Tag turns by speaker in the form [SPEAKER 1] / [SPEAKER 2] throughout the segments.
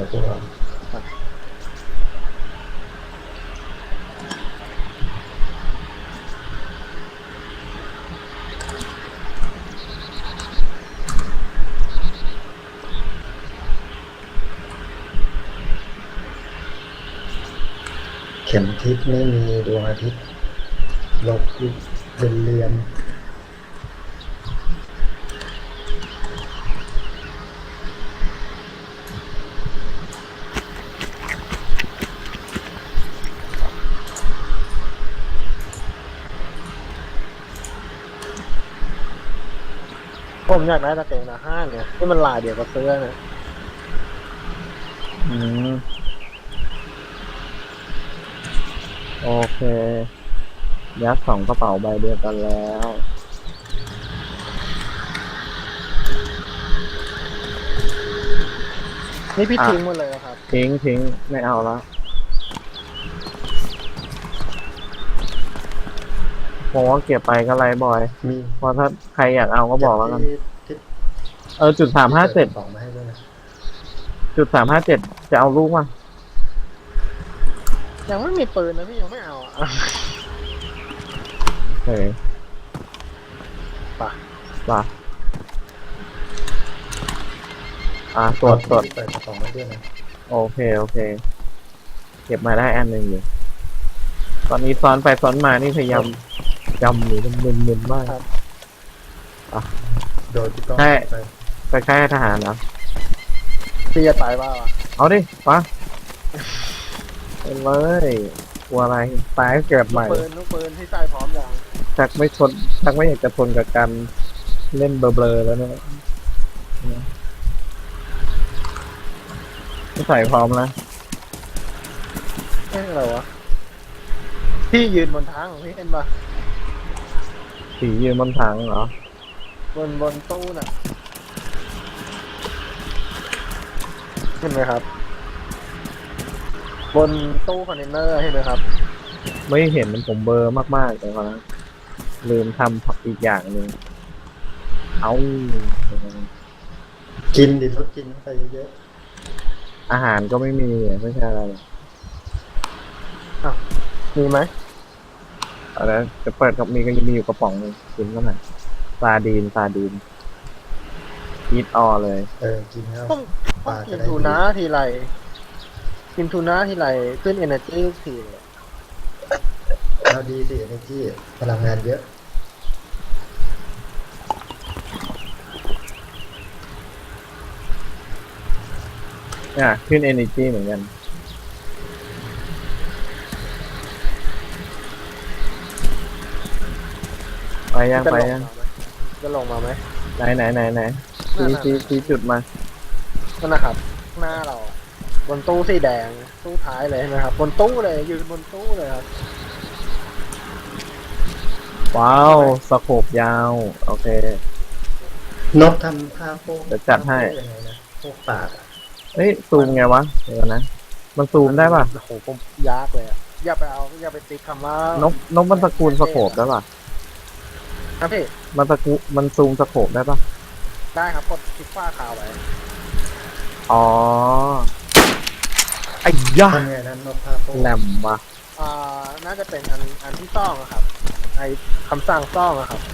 [SPEAKER 1] กับพวกเราเข็มทิศไม่มีดวงอาทิตย์หลบเป็นเรือน
[SPEAKER 2] ผมอยากได้ตะเกียงตะห้างเนี่ยที่มันลายเดียวกับเสื้อนะ
[SPEAKER 3] อืมโอเคยัด2 กระเป๋าใบเดียวกันแล้ว
[SPEAKER 2] นี่พี่ทิ้งหมดเลยเหรอครับ
[SPEAKER 3] ทิ้งไม่เอาแล้วผมว่าเก็บไปก็ไรบ่อย
[SPEAKER 1] มี
[SPEAKER 3] เพราะถ้าใครอยากเอาก็บอกแล้วกัน
[SPEAKER 1] ที่
[SPEAKER 3] จุด357
[SPEAKER 1] สองมาให้ด้วยนะ
[SPEAKER 3] จุด357จะเอาลูกมั้ย
[SPEAKER 2] ยังไม่มีปืนนะพี่ยังไม่เอาอ่ะ
[SPEAKER 3] โอเค
[SPEAKER 2] ป่ะ
[SPEAKER 3] ป่ะตรวจ
[SPEAKER 1] เปิดกระป๋องมาด้วยนะ
[SPEAKER 3] โอเคเก็บมาได้อันหนึ่งอยู่ตอนนี้ซ้อนไปซ้อนมานี่พยายามจำอยู่มันมึนๆมาก
[SPEAKER 1] โดยที่ต้อง
[SPEAKER 3] ใช่
[SPEAKER 1] ไป
[SPEAKER 3] ไปค่ายทหารเหรอ
[SPEAKER 2] พี่จะตายบ้าวะ
[SPEAKER 3] เอาดิปะไปเลยกลัวอะไรตายเกิดใหม่
[SPEAKER 2] ลูกปืนที่ใส่พร้อมอย่าง
[SPEAKER 3] ชักไม่อยากจะทนกับการเล่นเบลอๆแล้วเนี่ยไม่ใส่พร้อมแล้ว
[SPEAKER 2] อะไรวะพี่ยืนบนทางของพี่เห็นปะ
[SPEAKER 3] สียืนบนถังเหรอบ
[SPEAKER 2] นตู้น่ะเห็นไหมครับ บนตู้คอนเทนเนอร์เห็นไหมครับ
[SPEAKER 3] ไม่เห็นมันผมเบลอร์มากๆแต่ว่าลืมทำอีกอย่างหนึ่งเอา
[SPEAKER 1] กินดิทดกินเข้าไปเยอะ
[SPEAKER 3] อาหารก็ไม่มีไม่ใช่อะไร
[SPEAKER 2] มีไหม
[SPEAKER 3] อะไรจะเปิดกับมีก็ยังมีอยู่กระป๋องนึงกินก็หน่อยซาดีนอีทออเลย
[SPEAKER 1] กินแล้ว
[SPEAKER 2] ต้องกินทูน่าทีไรขึ้น energy ทุกทีเลย
[SPEAKER 1] เราดีสิ energy พลังงานเยอะ
[SPEAKER 3] ขึ้น energy เหมือนกันไปยัง
[SPEAKER 2] จะลงมาไหม
[SPEAKER 3] ไหนชี้จุดมา
[SPEAKER 2] นั่นนะครับหน้าเราอะบนตู้สีแดงตู้ท้ายเลยใช่ไหมครับบนตู้เลยยืนบนตู้เลยครับ
[SPEAKER 3] ว้าวสโคปยาวโอเคน
[SPEAKER 1] กทำผ้าโพก
[SPEAKER 3] จะจัดให้
[SPEAKER 1] ยังไงนะโพกปากอะ
[SPEAKER 3] เฮ้ยซูมไงวะเดี๋ยวนะมันซูมได้ป่ะ
[SPEAKER 2] โอ้โหผมยากเลยอะอย่าไปติ๊กคำว่าน
[SPEAKER 3] กมันตระกูลสโคปได้ป่ะ
[SPEAKER 2] ครับพี่
[SPEAKER 3] มันซูมสโคปได้ป่ะ
[SPEAKER 2] ได้ครับกดคลิกฝ้าขาวไว้
[SPEAKER 3] อ๋อไอ้ยะ
[SPEAKER 1] ทำไงนั้นนกผ้าโพก
[SPEAKER 3] แหลมว่ะ
[SPEAKER 2] น่าจะเป็นอันที่ซ่องอะครับไอคำสั่งซ่องอะครับ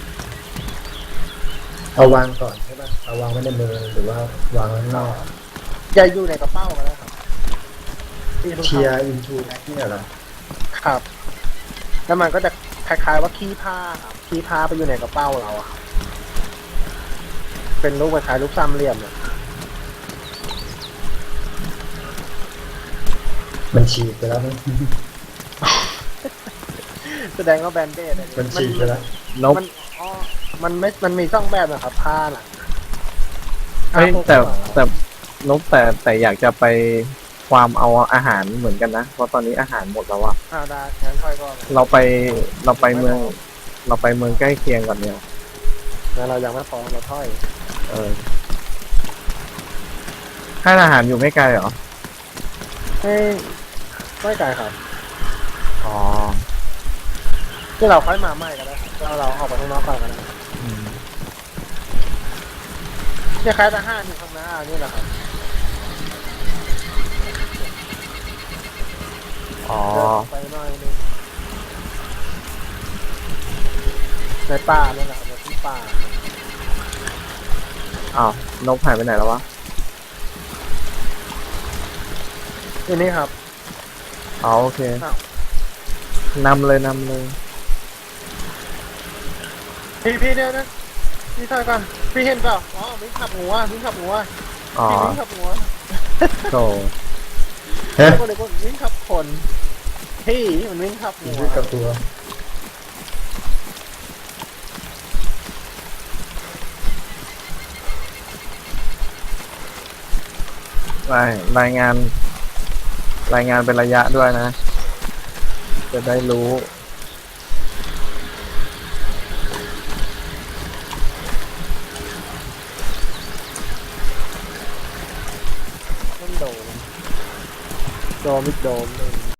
[SPEAKER 1] เอาวางก่อนใช่ป่ะเอาวางไว้ในมือหรือว่าวางไว้ข้างนอก
[SPEAKER 2] อย่าอยู่ในกระเป๋าก็ได้ครับที่ลูก
[SPEAKER 1] เชีย
[SPEAKER 2] ค้า
[SPEAKER 1] ร์อินทูแม็กเนี่ยเหรอ
[SPEAKER 2] ครับ แล้วมันก็จะคล้ายๆว่าขี้ผ้าครับขี้ผ้าไปอยู่ในกระเป๋าเราอะครับเป็นรูปคล้ายๆรูปสามเหลี่ยมเนี่ย
[SPEAKER 1] มันฉีกไปแล้วมั้ง
[SPEAKER 2] แสดงว่าแบนเดดอันนี้
[SPEAKER 1] มันฉีกไปแล้ว
[SPEAKER 3] นก
[SPEAKER 2] มันมีช่องแบบนะครับผ้าน่ะ
[SPEAKER 3] เฮ้ย
[SPEAKER 2] ผ้าพวก
[SPEAKER 3] แต่นกแต่อยากจะไปความเอาอาหารเหมือนกันนะเพราะตอนนี้อาหารหมดแล้วอะ
[SPEAKER 2] ได้งั้นค่อยก็
[SPEAKER 3] เราไปเมืองใกล้เคียงก่อนเนี่ย
[SPEAKER 2] งั้นเรายังไม่พอเราถ้อย
[SPEAKER 3] ค่ายทหารอยู่ไม่ไกลเหรอ
[SPEAKER 2] ไม่ไกลครับ
[SPEAKER 3] อ๋อ
[SPEAKER 2] ที่เราค่อยมาใหม่ก็ได้ครับเราออกไปข้างนอกก่อนก็ได้เนี่ยคล้ายทหารอยู่ข้างหน้านี่แหละครับ
[SPEAKER 3] อ๋อ
[SPEAKER 2] เดินออกไปหน่อยนึงในป่าเนี่ยแหละในที่ป่า
[SPEAKER 3] อ้าว นกหายไปไหนแล้ววะ
[SPEAKER 2] ที่นี่ครับ
[SPEAKER 3] อ๋อโอเค
[SPEAKER 2] อ้าว
[SPEAKER 3] นำเลยนำเลย
[SPEAKER 2] พี่เนี่ยนะพี่ถอยก่อนพี่เห็นเปล่าอ๋อวิ่งขับหัววิ่งขับหัว
[SPEAKER 3] อ๋อ
[SPEAKER 2] พี่วิ่งขับหัว
[SPEAKER 3] โถ
[SPEAKER 1] ฮะ
[SPEAKER 2] คนเดียวคนวิ่งขับคนพี่มันวิ่งขับหัว
[SPEAKER 1] วิ่งกับตัว
[SPEAKER 3] รายงาน รายงานเป็นระยะด้วยนะ จะได้รู้
[SPEAKER 2] มันโดนมิดโดนเลย